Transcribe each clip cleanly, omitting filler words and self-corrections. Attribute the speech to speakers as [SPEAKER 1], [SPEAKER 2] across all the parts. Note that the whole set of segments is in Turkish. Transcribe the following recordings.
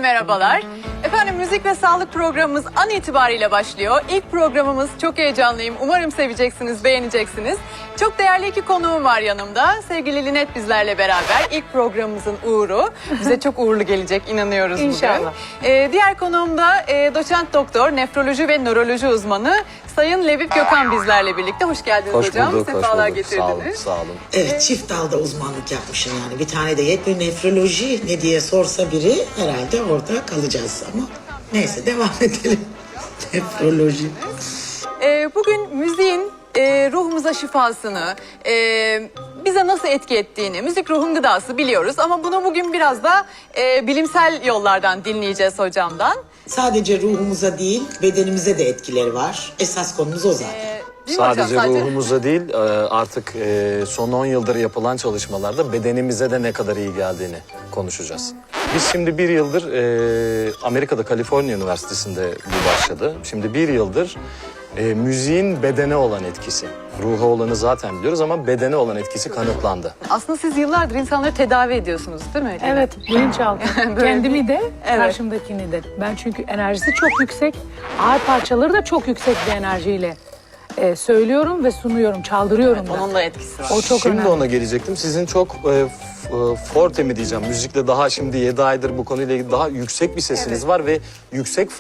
[SPEAKER 1] merhabalar. Efendim müzik ve sağlık programımız an itibariyle başlıyor. İlk programımız, çok heyecanlıyım. Umarım seveceksiniz, beğeneceksiniz. Çok değerli iki konuğum var yanımda. Sevgili Linet bizlerle beraber. İlk programımızın uğuru. Bize çok uğurlu gelecek, inanıyoruz
[SPEAKER 2] İnşallah.
[SPEAKER 1] bugün. Diğer konuğum da doçent doktor, nefroloji ve nöroloji uzmanı Sayın Levip Gökhan bizlerle birlikte. Hoş geldiniz
[SPEAKER 3] Hoş
[SPEAKER 1] hocam.
[SPEAKER 3] bulduk,
[SPEAKER 1] Sefalar
[SPEAKER 3] hoş bulduk.
[SPEAKER 1] getirdiniz.
[SPEAKER 3] Sağ olun.
[SPEAKER 4] Evet, çift dalda uzmanlık yapmışım yani. Bir tane de hep bir nefroloji ne diye sorsa biri herhalde orada kalacağız ama neyse devam edelim. Nefroloji.
[SPEAKER 1] Bugün müziğin ruhumuza şifasını, bize nasıl etki ettiğini, müzik ruhun gıdası biliyoruz. Ama bunu bugün biraz da bilimsel yollardan dinleyeceğiz hocamdan.
[SPEAKER 4] Sadece ruhumuza değil bedenimize de etkileri var. Esas konumuz o zaten.
[SPEAKER 1] Değil mi hocam?
[SPEAKER 3] Sadece ruhumuza değil artık son 10 yıldır yapılan çalışmalarda bedenimize de ne kadar iyi geldiğini konuşacağız. Biz şimdi bir yıldır Amerika'da Kaliforniya Üniversitesi'nde bu başladı. Şimdi bir yıldır müziğin bedene olan etkisi. Ruha olanı zaten biliyoruz ama bedene olan etkisi kanıtlandı.
[SPEAKER 1] Aslında siz yıllardır insanları tedavi ediyorsunuz değil mi?
[SPEAKER 2] Evet, bilinçaltı.
[SPEAKER 1] Böyle
[SPEAKER 2] Kendimi de,
[SPEAKER 1] Evet.
[SPEAKER 2] karşımdakini de. Ben çünkü enerjisi çok yüksek, ağır parçaları da çok yüksek bir enerjiyle söylüyorum ve sunuyorum, çaldırıyorum da.
[SPEAKER 1] Onun da etkisi var.
[SPEAKER 2] O çok
[SPEAKER 3] Şimdi
[SPEAKER 2] önemli.
[SPEAKER 3] ona gelecektim. Sizin çok forte mi diyeceğim, müzikle daha şimdi 7 aydır bu konuyla ilgili daha yüksek bir sesiniz var ve yüksek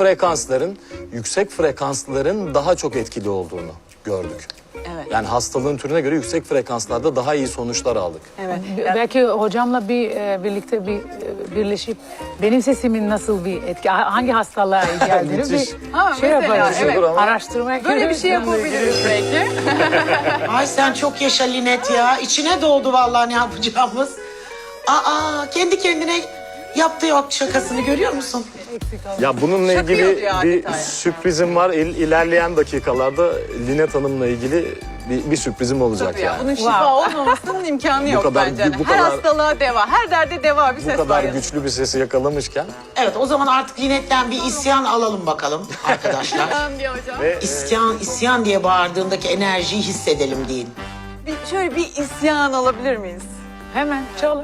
[SPEAKER 3] frekansların daha çok etkili olduğunu gördük.
[SPEAKER 1] Evet.
[SPEAKER 3] Yani hastalığın türüne göre yüksek frekanslarda daha iyi sonuçlar aldık.
[SPEAKER 1] Evet.
[SPEAKER 2] Belki hocamla birlikte birleşip benim sesimin nasıl bir etki, hangi hastalığa iyi geldiğini
[SPEAKER 3] Müthiş.
[SPEAKER 1] Ha,
[SPEAKER 2] şey
[SPEAKER 1] mesela,
[SPEAKER 2] yaparız.
[SPEAKER 1] evet.
[SPEAKER 2] Araştırmaya
[SPEAKER 1] Böyle bir şey yapabiliriz belki.
[SPEAKER 4] Ay sen çok yaşa Linet ya. İçine doğdu vallahi ne yapacağımız. Aa kendi kendine yaptığı o şakasını görüyor musun?
[SPEAKER 3] Ya bununla
[SPEAKER 1] Şaka
[SPEAKER 3] ilgili
[SPEAKER 1] yapıyor
[SPEAKER 3] bir
[SPEAKER 1] adeta ya.
[SPEAKER 3] sürprizim var. İlerleyen dakikalarda Linet Hanım'la ilgili bir sürprizim olacak
[SPEAKER 1] Tabii ya,
[SPEAKER 3] yani.
[SPEAKER 1] bunun şifa olmamasının imkanı yok
[SPEAKER 3] kadar-
[SPEAKER 1] bence.
[SPEAKER 3] bu
[SPEAKER 1] Her
[SPEAKER 3] kadar-
[SPEAKER 1] hastalığa deva, her derde deva bir
[SPEAKER 3] Bu
[SPEAKER 1] ses
[SPEAKER 3] kadar
[SPEAKER 1] var. yanında.
[SPEAKER 3] güçlü bir sesi yakalamışken
[SPEAKER 4] Evet o zaman artık Linet'ten bir isyan alalım bakalım arkadaşlar.
[SPEAKER 1] Tamam diyor hocam.
[SPEAKER 3] ve
[SPEAKER 4] İsyan diye bağırdığındaki enerjiyi hissedelim deyin.
[SPEAKER 1] Şöyle bir isyan alabilir miyiz?
[SPEAKER 2] Hemen çalın.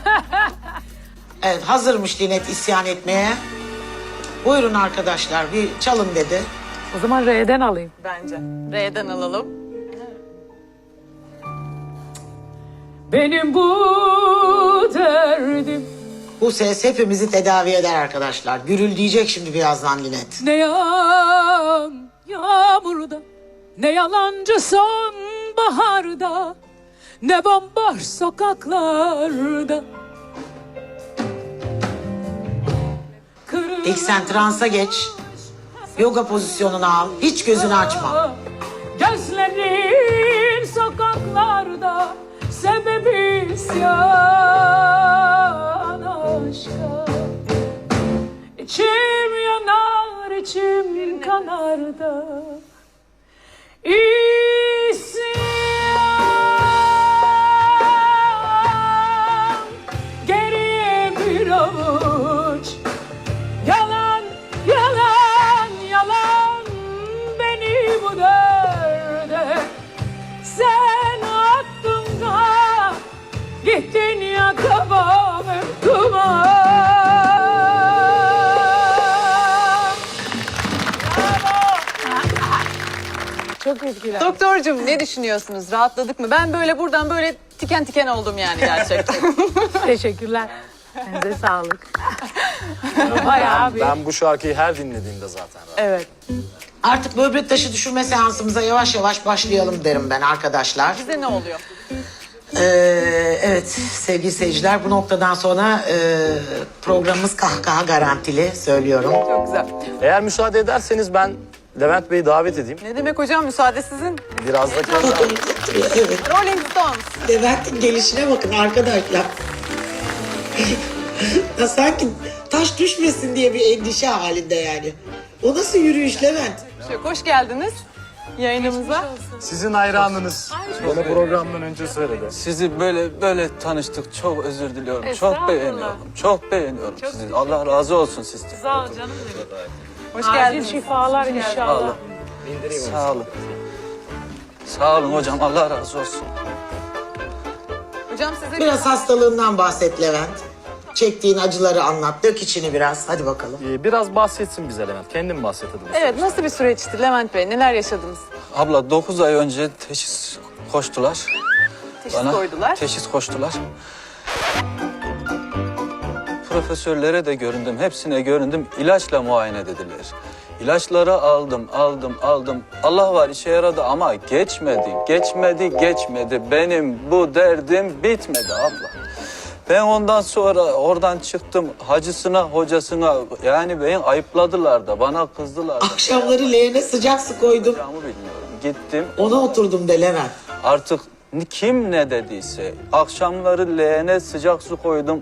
[SPEAKER 4] Evet hazırmış Linet isyan etmeye. Buyurun arkadaşlar bir çalın dedi.
[SPEAKER 2] O zaman R'den alayım.
[SPEAKER 1] Bence. R'den alalım.
[SPEAKER 2] Benim bu derdim
[SPEAKER 4] Bu ses hepimizi tedavi eder arkadaşlar. Gürül diyecek şimdi birazdan Linet.
[SPEAKER 2] ne yağmurda, ne yalancı sonbaharda, ne bomboş sokaklarda.
[SPEAKER 4] İlk sen transa geç. Yoga pozisyonunu al. Hiç gözünü açma.
[SPEAKER 2] Gözlerin sokaklarda, sebebi isyan aşka. İçim yanar, içim kanar da İsyan geriye bir avuç yalan, yalan, yalan beni bu derde sen attın da gittin ya kafamı duman. Çok etkiler.
[SPEAKER 1] Doktorcum ne düşünüyorsunuz? Rahatladık mı? Ben böyle buradan böyle tiken tiken oldum yani gerçekten.
[SPEAKER 2] Teşekkürler. Size sağlık. Bayağı bir.
[SPEAKER 3] ben bu şarkıyı her dinlediğimde zaten
[SPEAKER 1] Evet.
[SPEAKER 4] Artık böbrek taşı düşürme seansımıza yavaş yavaş başlayalım derim ben arkadaşlar.
[SPEAKER 1] Bize ne oluyor?
[SPEAKER 4] Evet sevgili seyirciler bu noktadan sonra programımız kahkaha garantili söylüyorum.
[SPEAKER 1] Çok güzel.
[SPEAKER 3] Eğer müsaade ederseniz ben Levent Bey'i davet edeyim.
[SPEAKER 1] Ne demek hocam? Müsaade sizin.
[SPEAKER 3] Biraz da
[SPEAKER 4] Evet.
[SPEAKER 1] Rolling Stones.
[SPEAKER 4] Levent'in gelişine bakın arkadaşlar. Ya sanki taş düşmesin diye bir endişe halinde yani. O nasıl yürüyüş Levent?
[SPEAKER 1] Hoş geldiniz yayınımıza.
[SPEAKER 3] sizin hayranınız. Bana programdan önce söyledi.
[SPEAKER 5] Sizi böyle tanıştık. Çok özür diliyorum.
[SPEAKER 2] Estağfurullah.
[SPEAKER 5] Çok beğeniyorum. Çok beğeniyorum sizi. Allah razı olsun sizden.
[SPEAKER 2] Sağ ol canım benim.
[SPEAKER 1] Hoş
[SPEAKER 2] Acil
[SPEAKER 1] geldiniz.
[SPEAKER 2] şifalar
[SPEAKER 5] Sağ
[SPEAKER 2] inşallah.
[SPEAKER 5] olun. Sağ olun. Sağ olun hocam. Allah razı olsun.
[SPEAKER 1] Hocam size
[SPEAKER 4] Biraz hastalığından bahset Levent. çektiğin acıları anlat. Dök içini biraz. Hadi bakalım.
[SPEAKER 3] Biraz bahsetsin bize Levent. Kendin bahset hadi.
[SPEAKER 1] Evet, nasıl bir süreçti Levent Bey? Neler yaşadınız?
[SPEAKER 5] Abla 9 ay önce teşhis koştular.
[SPEAKER 1] Teşhis koydular.
[SPEAKER 5] Teşhis koştular. Profesörlere de göründüm, hepsine göründüm. İlaçla muayene dediler. İlaçları aldım. Allah var işe yaradı ama geçmedi. Benim bu derdim bitmedi abla. Ben ondan sonra oradan çıktım hacısına, hocasına. Yani beni ayıpladılar da, bana kızdılar da.
[SPEAKER 4] Akşamları leğene sıcak su koydum.
[SPEAKER 5] Yapacağımı bilmiyorum. Gittim.
[SPEAKER 4] Ona oturdum de Levent.
[SPEAKER 5] Artık kim ne dediyse akşamları leğene sıcak su koydum.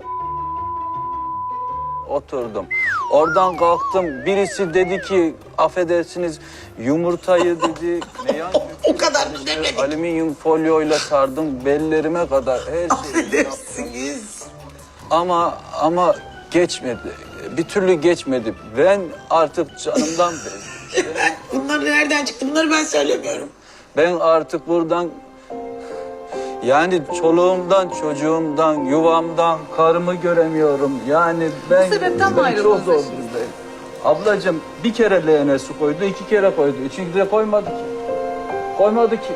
[SPEAKER 5] Oturdum. Oradan kalktım. Birisi dedi ki affedersiniz yumurtayı dedi.
[SPEAKER 4] O kadar mı demedik?
[SPEAKER 5] Alüminyum folyoyla sardım bellerime kadar her şeyi.
[SPEAKER 4] Affedersiniz.
[SPEAKER 5] Ama geçmedi. Bir türlü geçmedi. Ben artık canımdan bezdim.
[SPEAKER 4] Bunlar nereden çıktı? Bunları ben söylemiyorum.
[SPEAKER 5] Ben artık buradan yani çoluğumdan, çocuğumdan, yuvamdan, karımı göremiyorum. Yani ben,
[SPEAKER 1] Bu sebepten mi
[SPEAKER 5] ben
[SPEAKER 1] ayrıldınız
[SPEAKER 5] çok zor
[SPEAKER 1] eşinizden?
[SPEAKER 5] durumdayım. Ablacığım bir kere leğene su koydu, 2 kere koydu. Üçüncü de koymadı ki. Koymadı ki.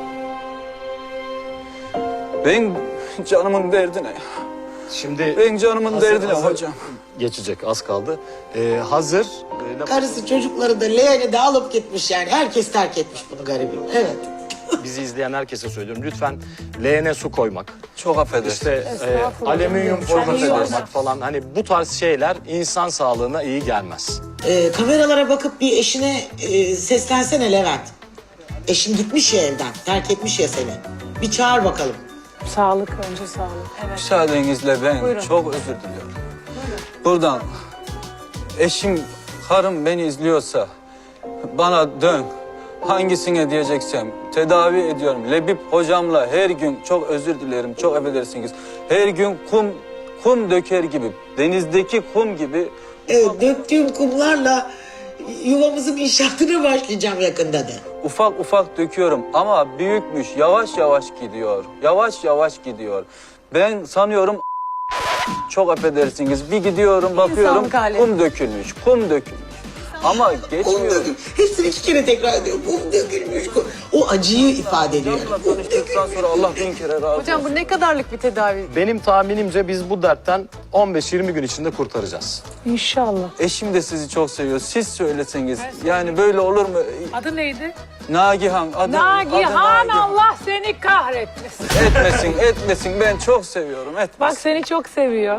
[SPEAKER 5] Ben canımın derdine.
[SPEAKER 3] Şimdi
[SPEAKER 5] Ben canımın derdine hocam.
[SPEAKER 3] Geçecek az kaldı. Hazır.
[SPEAKER 4] Karısı çocukları da leğeni de alıp gitmiş yani. Herkes terk etmiş bunu garibim. Evet.
[SPEAKER 3] Bizi izleyen herkese söylüyorum. Lütfen leğene su koymak.
[SPEAKER 5] Çok affedersin.
[SPEAKER 3] İşte
[SPEAKER 2] Estağfurullah.
[SPEAKER 3] alüminyum folyo
[SPEAKER 2] Çok iyi
[SPEAKER 3] koymak
[SPEAKER 2] olmaz.
[SPEAKER 3] falan. Hani bu tarz şeyler insan sağlığına iyi gelmez.
[SPEAKER 4] Kameralara bakıp bir eşine seslensene Levent. Eşin gitmiş ya evden. Terk etmiş ya seni. Bir çağır bakalım.
[SPEAKER 2] Sağlık, önce sağlık. Evet.
[SPEAKER 5] Müsaadenizle ben
[SPEAKER 1] Buyurun.
[SPEAKER 5] çok özür diliyorum. Buradan eşim, karım beni izliyorsa bana dön. Hangisine diyeceksem tedavi ediyorum. Lebip hocamla her gün çok özür dilerim, çok affedersiniz. Her gün kum döker gibi, denizdeki kum gibi
[SPEAKER 4] Döktüğüm kumlarla yuvamızın inşaatına başlayacağım yakında de.
[SPEAKER 5] ufak ufak döküyorum ama büyükmüş, yavaş yavaş gidiyor. Yavaş yavaş gidiyor. Ben sanıyorum çok affedersiniz. Bir gidiyorum bakıyorum
[SPEAKER 1] İnsanlık hali.
[SPEAKER 5] kum dökülmüş. Ama
[SPEAKER 4] Kum
[SPEAKER 5] geçmiyor.
[SPEAKER 4] dökülmüş. Hepsini 2 kere tekrar ediyor. Kum dökülmüş. O acıyı ifade ediyor.
[SPEAKER 5] Hocamla tanıştıktan sonra Allah bin kere razı olsun.
[SPEAKER 1] Hocam bu ne kadarlık bir tedavi?
[SPEAKER 3] Benim tahminimce biz bu dertten 15-20 gün içinde kurtaracağız.
[SPEAKER 2] İnşallah.
[SPEAKER 5] Eşim de sizi çok seviyor. Siz söyleseniz. Yani böyle olur mu?
[SPEAKER 2] Adı neydi?
[SPEAKER 5] Nagihan. Adı
[SPEAKER 2] Nagihan, Allah seni kahretmesin.
[SPEAKER 5] Etmesin. Ben çok seviyorum. Etmesin.
[SPEAKER 2] Bak seni çok seviyor.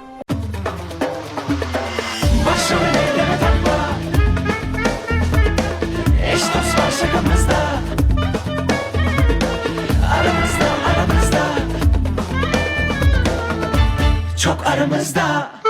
[SPEAKER 6] Başımı elleme takma. Eş dost var şakamızda. Aramızda. Çok aramızda.